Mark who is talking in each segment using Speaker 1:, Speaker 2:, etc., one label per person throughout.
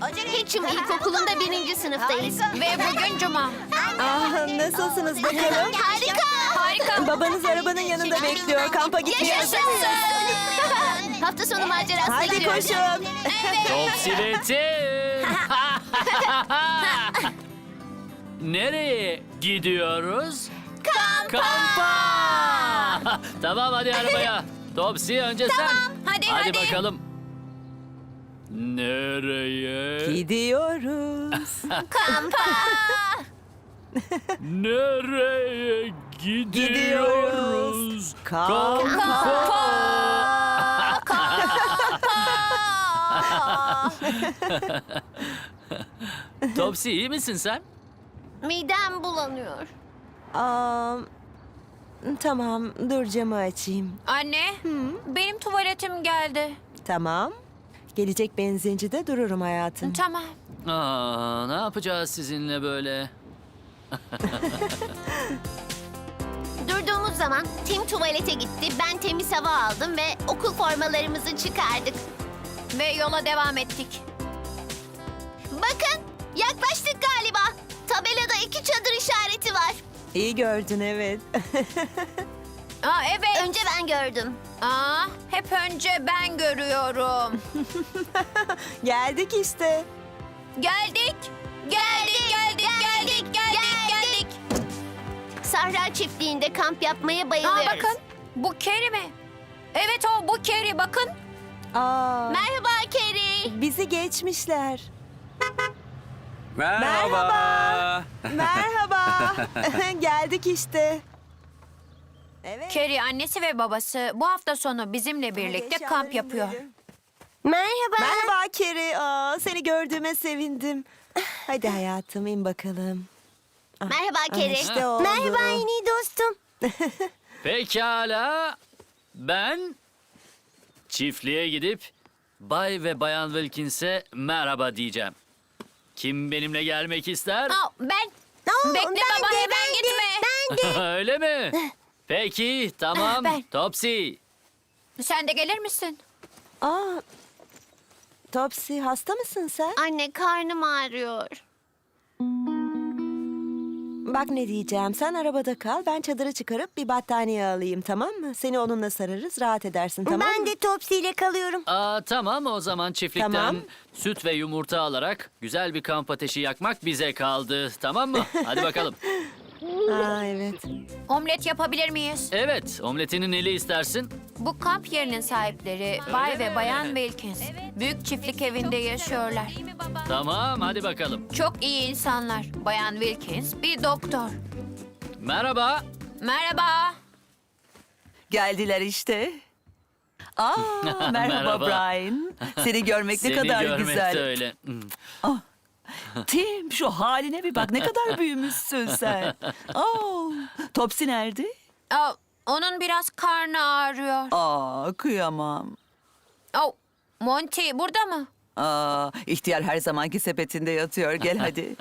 Speaker 1: Hatcham İlkokulu'nda 1. sınıftayız.
Speaker 2: Ve bugün cuma.
Speaker 3: Nasılsınız bakalım?
Speaker 1: Harika.
Speaker 3: Babanız arabanın yanında bekliyor. Kampa gitmeye hazır mıyız?
Speaker 1: Yaşasın. Hafta sonu macerasına
Speaker 3: Hadi
Speaker 1: gidiyoruz.
Speaker 3: koşun.
Speaker 4: Topsy ve Tim. Nereye gidiyoruz? Kampa. Tamam hadi arabaya. Topsy önce sen.
Speaker 2: Hadi.
Speaker 4: Bakalım. Nereye?
Speaker 3: Gidiyoruz.
Speaker 4: Nereye gidiyoruz?
Speaker 3: Kampa.
Speaker 4: Topsy iyi misin sen?
Speaker 1: Midem bulanıyor.
Speaker 3: Tamam, dur camı açayım.
Speaker 2: Anne, benim tuvaletim geldi.
Speaker 3: Tamam. Gelecek benzincide dururum hayatım.
Speaker 2: Tamam.
Speaker 4: Ne yapacağız sizinle böyle?
Speaker 1: Durduğumuz zaman Tim tuvalete gitti. Ben temiz hava aldım ve okul formalarımızı çıkardık.
Speaker 2: Ve yola devam ettik.
Speaker 1: Bakın, yaklaştık galiba. Tabelada 2 çadır işareti var.
Speaker 3: İyi gördün, evet.
Speaker 2: Evet.
Speaker 1: Önce ben gördüm.
Speaker 2: Hep önce ben görüyorum.
Speaker 3: Geldik işte.
Speaker 2: Geldik.
Speaker 1: Sahra çiftliğinde kamp yapmaya bayılıyoruz.
Speaker 2: Bakın, bu Keri mi? Evet o, bu Keri, bakın.
Speaker 1: Merhaba Keri.
Speaker 3: Bizi geçmişler.
Speaker 5: Merhaba.
Speaker 3: Merhaba. Geldik işte. Evet.
Speaker 2: Keri annesi ve babası bu hafta sonu bizimle birlikte kamp yapıyor.
Speaker 1: Merhaba.
Speaker 3: Merhaba Keri. Seni gördüğüme sevindim. Hadi hayatım, in bakalım.
Speaker 1: Merhaba Keri.
Speaker 3: İşte oldu.
Speaker 1: yeni dostum.
Speaker 4: Pekala. Ben çiftliğe gidip Bay ve Bayan Wilkins'e merhaba diyeceğim. Kim benimle gelmek ister?
Speaker 2: Ben. Bekle baba, hemen gitme.
Speaker 4: Öyle mi? Peki, tamam.
Speaker 2: Ben.
Speaker 4: Topsy.
Speaker 2: Sen de gelir misin?
Speaker 3: Topsy, hasta mısın sen?
Speaker 1: Anne, karnım ağrıyor.
Speaker 3: Bak ne diyeceğim. Sen arabada kal. Ben çadırı çıkarıp bir battaniye alayım, tamam mı? Seni onunla sararız. Rahat edersin, tamam mı?
Speaker 1: Topsy ile kalıyorum.
Speaker 4: Tamam o zaman çiftlikten
Speaker 3: Tamam.
Speaker 4: süt ve yumurta alarak güzel bir kamp ateşi yakmak bize kaldı. Tamam mı? Hadi bakalım.
Speaker 3: Evet.
Speaker 2: Omlet yapabilir miyiz?
Speaker 4: Evet, omletinin neli istersin?
Speaker 2: Bu kamp yerinin sahipleri Bay ve Bayan Wilkins. Büyük çiftlik evinde yaşıyorlar.
Speaker 4: Tamam, hadi bakalım.
Speaker 2: Çok iyi insanlar. Bayan Wilkins bir doktor.
Speaker 4: Merhaba.
Speaker 2: Merhaba.
Speaker 6: Geldiler işte. Merhaba,
Speaker 4: Merhaba.
Speaker 6: Brian. Seni görmek ne
Speaker 4: Seni
Speaker 6: kadar
Speaker 4: görmek
Speaker 6: güzel.
Speaker 4: de öyle.
Speaker 6: Tim, şu haline bir bak, ne kadar büyümüşsün sen. Topsy nerede?
Speaker 2: Onun biraz karnı ağrıyor.
Speaker 6: Kıyamam.
Speaker 2: Monty burada mı?
Speaker 6: İhtiyar her zamanki sepetinde yatıyor. Gel hadi.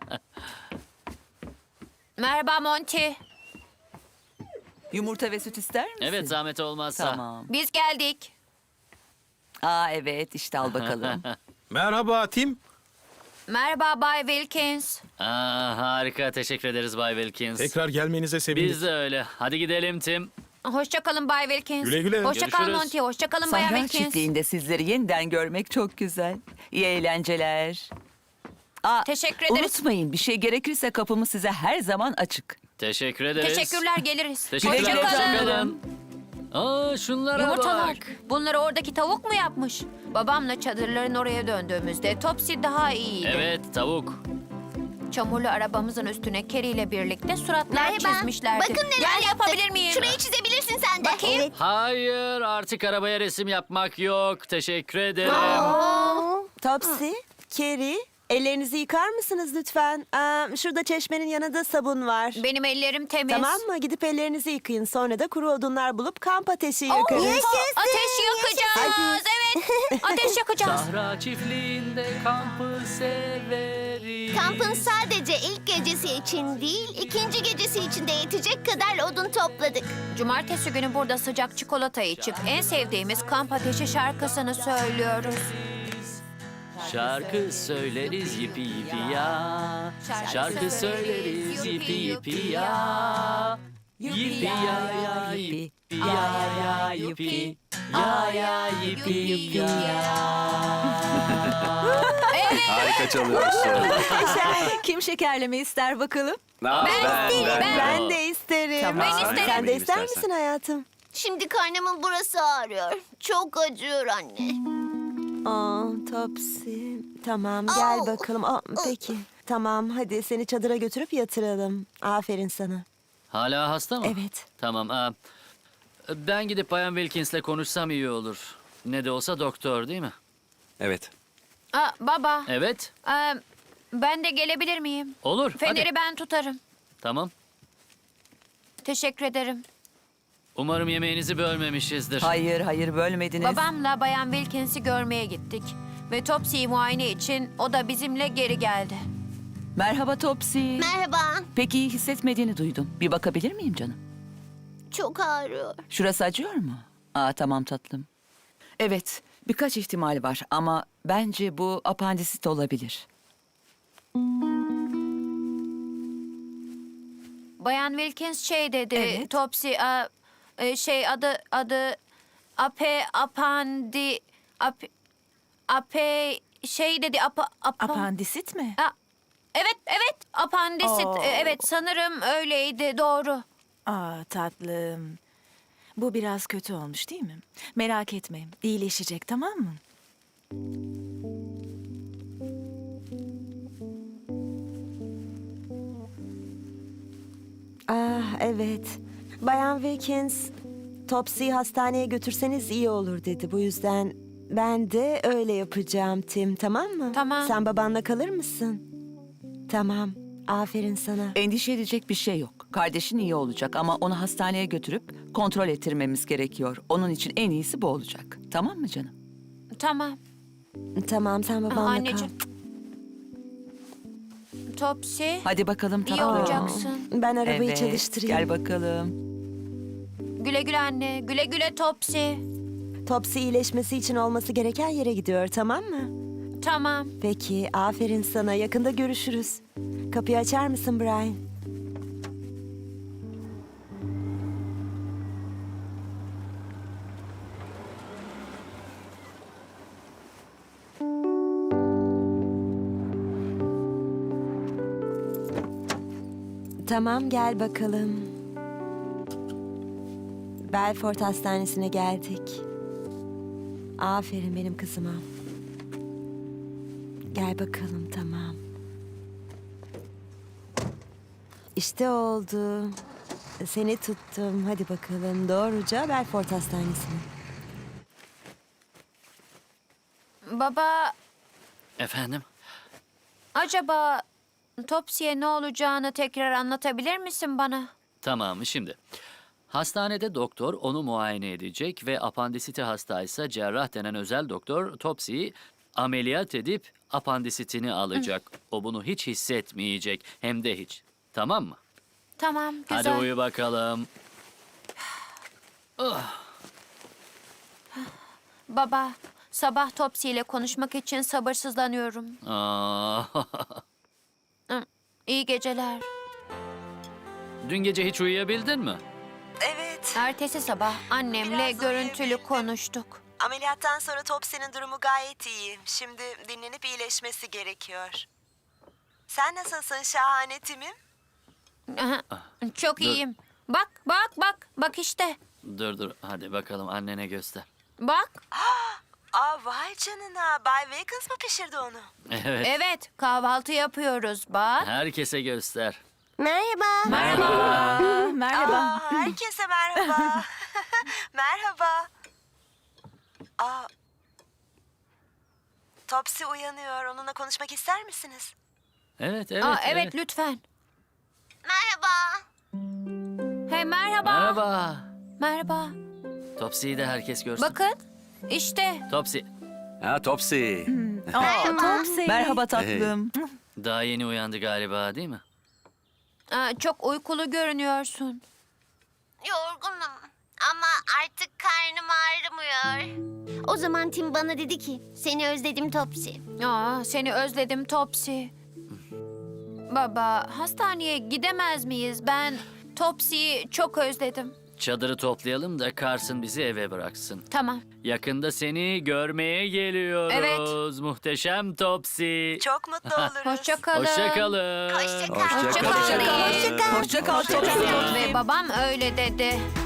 Speaker 2: Merhaba Monty.
Speaker 6: Yumurta ve süt ister misin?
Speaker 4: Evet, zahmet olmazsa.
Speaker 6: Tamam.
Speaker 2: Biz geldik.
Speaker 6: Evet, işte al bakalım.
Speaker 5: Merhaba Tim.
Speaker 2: Merhaba Bay Wilkins.
Speaker 4: Harika, teşekkür ederiz Bay Wilkins.
Speaker 5: Tekrar gelmenize sevindik.
Speaker 4: Biz de öyle. Hadi gidelim Tim.
Speaker 2: Hoşçakalın Bay Wilkins.
Speaker 5: Güle güle.
Speaker 2: Hoşçakal
Speaker 4: Görüşürüz.
Speaker 2: Monty. Hoşçakalın Bayan
Speaker 6: Sahra
Speaker 2: Wilkins.
Speaker 6: çiftliğinde sizleri yeniden görmek çok güzel. İyi eğlenceler.
Speaker 2: Teşekkür ederiz.
Speaker 6: Unutmayın, bir şey gerekirse kapımız size her zaman açık.
Speaker 4: Teşekkür ederiz.
Speaker 2: Teşekkürler, geliriz.
Speaker 4: Teşekkürler.
Speaker 6: Güle güle
Speaker 4: Hoşçakalın. Şunlara
Speaker 2: Yumurtalar.
Speaker 4: bak.
Speaker 2: Bunları oradaki tavuk mu yapmış? Babamla çadırların oraya döndüğümüzde Topsy daha iyiydi.
Speaker 4: Evet, tavuk.
Speaker 2: Çamurlu arabamızın üstüne Keri ile birlikte suratlar çizmişlerdi.
Speaker 1: Bakın neler
Speaker 2: Gel
Speaker 1: yaptık.
Speaker 2: yapabilir miyim?
Speaker 1: Şurayı çizebilirsin sen de.
Speaker 2: Bakayım.
Speaker 4: Hayır, artık arabaya resim yapmak yok. Teşekkür ederim.
Speaker 3: Topsy, Keri, ellerinizi yıkar mısınız lütfen? Şurada çeşmenin yanında sabun var.
Speaker 2: Benim ellerim temiz.
Speaker 3: Tamam mı? Gidip ellerinizi yıkayın. Sonra da kuru odunlar bulup kamp ateşi yakarız.
Speaker 2: Ateş yakacağız.
Speaker 3: Hadi.
Speaker 2: Evet. Ateş yakacağız.
Speaker 4: Sahra çiftliğinde kampı severiz.
Speaker 1: Kampın sadece ilk gecesi için değil, ikinci gecesi için de yetecek kadar odun topladık.
Speaker 2: Cumartesi günü burada sıcak çikolata içip en sevdiğimiz kamp ateşi şarkısını söylüyoruz.
Speaker 4: Şarkı söyleriz yipi yipi ya. Şarkı söyleriz yipi yipi ya. Yipi ya ya yipi ya ya yipi. Ya ya yipi ya.
Speaker 7: Harika çalıyorsun.
Speaker 6: Kim şekerleme ister bakalım?
Speaker 3: Ben de isterim.
Speaker 6: Tamam. Ben
Speaker 7: isterim.
Speaker 3: Sen de ister
Speaker 7: İstersen.
Speaker 3: misin hayatım?
Speaker 1: Şimdi karnımın burası ağrıyor. Çok acıyor anne.
Speaker 3: Topsy. Tamam gel
Speaker 1: Au.
Speaker 3: bakalım. Peki. Tamam hadi seni çadıra götürüp yatıralım. Aferin sana.
Speaker 4: Hala hasta mı?
Speaker 3: Evet.
Speaker 4: Tamam. Ben gidip Bayan Wilkins'le konuşsam iyi olur. Ne de olsa doktor değil mi?
Speaker 7: Evet.
Speaker 2: Baba,
Speaker 4: Evet.
Speaker 2: ben de gelebilir miyim?
Speaker 4: Olur.
Speaker 2: Feneri
Speaker 4: Hadi.
Speaker 2: ben tutarım.
Speaker 4: Tamam.
Speaker 2: Teşekkür ederim.
Speaker 4: Umarım yemeğinizi bölmemişizdir.
Speaker 6: Hayır bölmediniz.
Speaker 2: Babamla Bayan Wilkins'i görmeye gittik. Ve Topsy'yi muayene için o da bizimle geri geldi.
Speaker 6: Merhaba Topsy.
Speaker 1: Merhaba.
Speaker 6: Pek iyi hissetmediğini duydum. Bir bakabilir miyim canım?
Speaker 1: Çok ağrıyor.
Speaker 6: Şurası acıyor mu? Tamam tatlım. Evet, birkaç ihtimal var ama bence bu apandisit olabilir.
Speaker 2: Bayan Wilkins şey dedi.
Speaker 6: Evet.
Speaker 2: Topsy adı şey dedi
Speaker 6: Apandisit mi?
Speaker 2: Evet apandisit.
Speaker 8: Oo.
Speaker 2: Evet sanırım öyleydi doğru.
Speaker 8: Tatlım. Bu biraz kötü olmuş değil mi? Merak etme. İyileşecek tamam mı?
Speaker 3: Evet. Bayan Wilkins, Topsy'yi hastaneye götürseniz iyi olur dedi. Bu yüzden ben de öyle yapacağım Tim, tamam mı?
Speaker 2: Tamam.
Speaker 3: Sen babanla kalır mısın? Tamam. Aferin sana.
Speaker 6: Endişe edecek bir şey yok. Kardeşin iyi olacak ama onu hastaneye götürüp kontrol ettirmemiz gerekiyor. Onun için en iyisi bu olacak. Tamam mı canım?
Speaker 2: Tamam.
Speaker 3: Tamam, sen babanla
Speaker 2: Anneciğim. Topsy
Speaker 6: Hadi bakalım
Speaker 2: iyi
Speaker 6: tatlım.
Speaker 2: olacaksın.
Speaker 3: kal. Ben arabayı
Speaker 6: Evet,
Speaker 3: çalıştırayım.
Speaker 6: gel bakalım.
Speaker 2: Güle güle anne. Güle güle Topsy.
Speaker 3: Topsy iyileşmesi için olması gereken yere gidiyor, tamam mı?
Speaker 2: Tamam.
Speaker 3: Peki, aferin sana. Yakında görüşürüz. Kapıyı açar mısın Brian? Tamam, gel bakalım. Belfort Hastanesi'ne geldik. Aferin benim kızıma. Gel bakalım, tamam. İşte oldu. Seni tuttum. Hadi bakalım doğruca Belfort Hastanesi'ne.
Speaker 2: Baba
Speaker 4: Efendim?
Speaker 2: acaba Topsy'ye ne olacağını tekrar anlatabilir misin bana?
Speaker 4: Tamam şimdi. Hastanede doktor onu muayene edecek ve apandisiti hastaysa cerrah denen özel doktor Topsy'yi ameliyat edip apandisitini alacak. O bunu hiç hissetmeyecek hem de hiç. Tamam mı?
Speaker 2: Tamam güzel.
Speaker 4: Hadi uyu bakalım.
Speaker 2: Baba sabah Topsy ile konuşmak için sabırsızlanıyorum.
Speaker 4: Aa,
Speaker 2: İyi geceler.
Speaker 4: Dün gece hiç uyuyabildin mi?
Speaker 3: Evet.
Speaker 2: Ertesi sabah annemle
Speaker 3: Biraz
Speaker 2: görüntülü
Speaker 3: uyuyabildim.
Speaker 2: konuştuk.
Speaker 3: Ameliyattan sonra Topsy'nin durumu gayet iyi. Şimdi dinlenip iyileşmesi gerekiyor. Sen nasılsın şahane Tim'im?
Speaker 2: Aha, çok iyiyim. Bak işte.
Speaker 4: Dur hadi bakalım annene göster.
Speaker 2: Bak.
Speaker 3: Vay canına. Bay Wilkins mı pişirdi onu?
Speaker 4: Evet.
Speaker 2: Evet kahvaltı yapıyoruz bak.
Speaker 4: Herkese göster.
Speaker 1: Merhaba.
Speaker 8: Merhaba.
Speaker 3: Herkese merhaba. Merhaba. Topsy uyanıyor. Onunla konuşmak ister misiniz?
Speaker 4: Evet.
Speaker 2: Evet lütfen.
Speaker 1: Merhaba.
Speaker 2: Hey merhaba.
Speaker 4: Merhaba.
Speaker 2: Merhaba.
Speaker 4: Topsy'yi de herkes görsün.
Speaker 2: Bakın işte.
Speaker 4: Topsy,
Speaker 7: Topsy.
Speaker 8: Topsy.
Speaker 6: Merhaba tatlım.
Speaker 4: daha yeni uyandı galiba değil mi?
Speaker 2: Çok uykulu görünüyorsun.
Speaker 1: Yorgunum. Ama artık karnım ağrımıyor. O zaman Tim bana dedi ki, seni özledim Topsy.
Speaker 2: Aa, seni özledim Topsy. Baba, hastaneye gidemez miyiz? Ben Topsy'yi çok özledim.
Speaker 4: Çadırı toplayalım da Carson bizi eve bıraksın.
Speaker 2: Tamam.
Speaker 4: Yakında seni görmeye geliyoruz.
Speaker 2: Evet.
Speaker 4: Muhteşem Topsy.
Speaker 3: Çok mutlu oluruz.
Speaker 2: Hoşça kalın.
Speaker 4: Hoşça kalın.
Speaker 1: Hoşça kal.
Speaker 2: Hoşça kal.
Speaker 6: Hoşça kal Topsy.
Speaker 2: Ve babam öyle dedi.